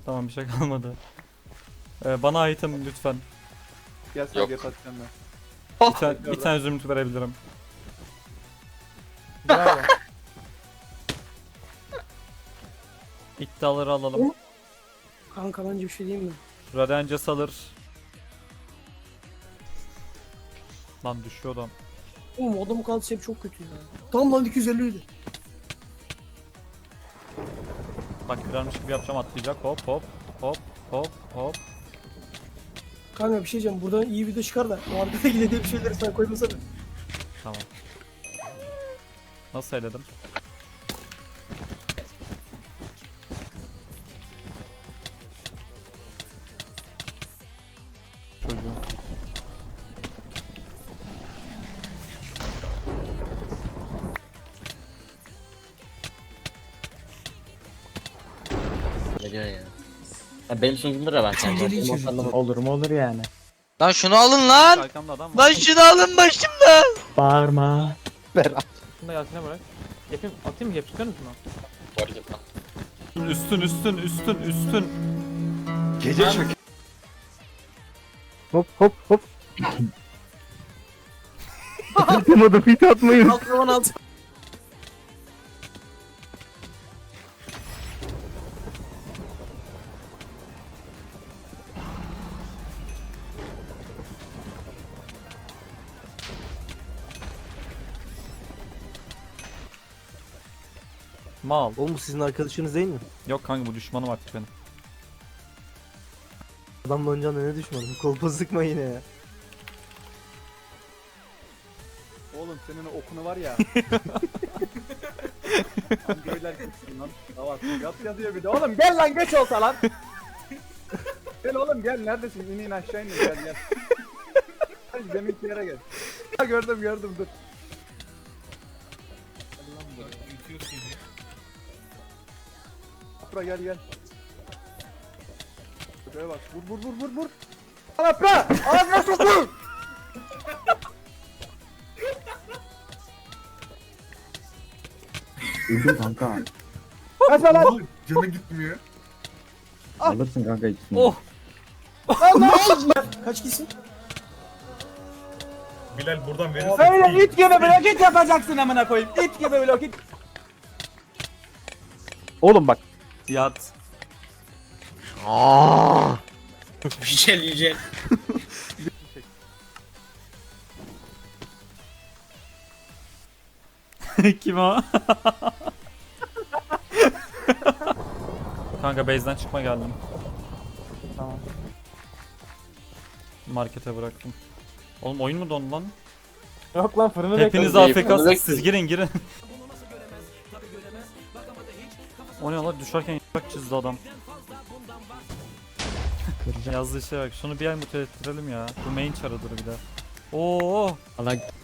Tamam bir şey kalmadı. Bana item lütfen. Gel sen Yok. geri atacağım ben. Bir tane zümrüt verebilirim. Bravo. İddiaları alalım. Kanka bence bir şey diyeyim mi? Radencas alır. Lan düşüyor adam. Oğlum adamın kaldısı hep çok kötü ya. Tam lan 250 idi. Bak kırarmış gibi yapacağım, atlayacak. Hop hop hop hop hop. Kanka bir şey diyeceğim. Buradan iyi video çıkar da. O arkada yine de bir şeyleri sen koymasana. Tamam. Nasıl eledim? Çocuğu. Ne diyor ya? Ya benim sunucumdur ya ben kendim. Olur mu olur yani. Lan şunu alın lan. Arkamda adam var. Lan şunu alın başımdan. Bağırma. Şunu da Yasin'e bırak. Yapayım, atayım mı? Yapıştırır mısın o? Fark etmem. Üstün. Gece çök. Hop hop hop. Atamadım, fit atmayın. Altına alt. Mal. Oğlum bu sizin arkadaşınız değil mi? Yok kanka, bu düşmanım artık benim. Adamla oynayacağına ne düşmanım? Kolpa sıkma yine ya. Oğlum senin o okunu var ya. Lan göyler gitsin lan. Tamam. Yat yazıyor bir de. Oğlum gel lan, geç olsa lan. Gel oğlum gel, neredesin? İn aşağı in, gel. Hadi deminki yere gel. Ha, gördüm dur. Apra gel. Şuraya bak, vur. Apra! Ağzına sokun! Öldüm kanka. Kaçma lan! Canı gitmiyor. Alırsın kanka ikisini. Oh! Kaç kişi? Bilal buradan verirsin. Öyle it gibi blokit yapacaksın amına koyayım. İt gibi blokit. Oğlum bak. Yat. Yücel. Kim o? Kanka base'den çıkma geldim. Tamam. Markete bıraktım. Oğlum oyun mu dondu lan? Yok lan fırını Hepiniz bekliyorum. AFK'sınız, siz girin. O ne lan, düşerken yaprak çizdi adam. Yazdığı şey bak, şunu bir ay mutel ettirelim ya. Bu main çarıdır bir de. Oo. Allah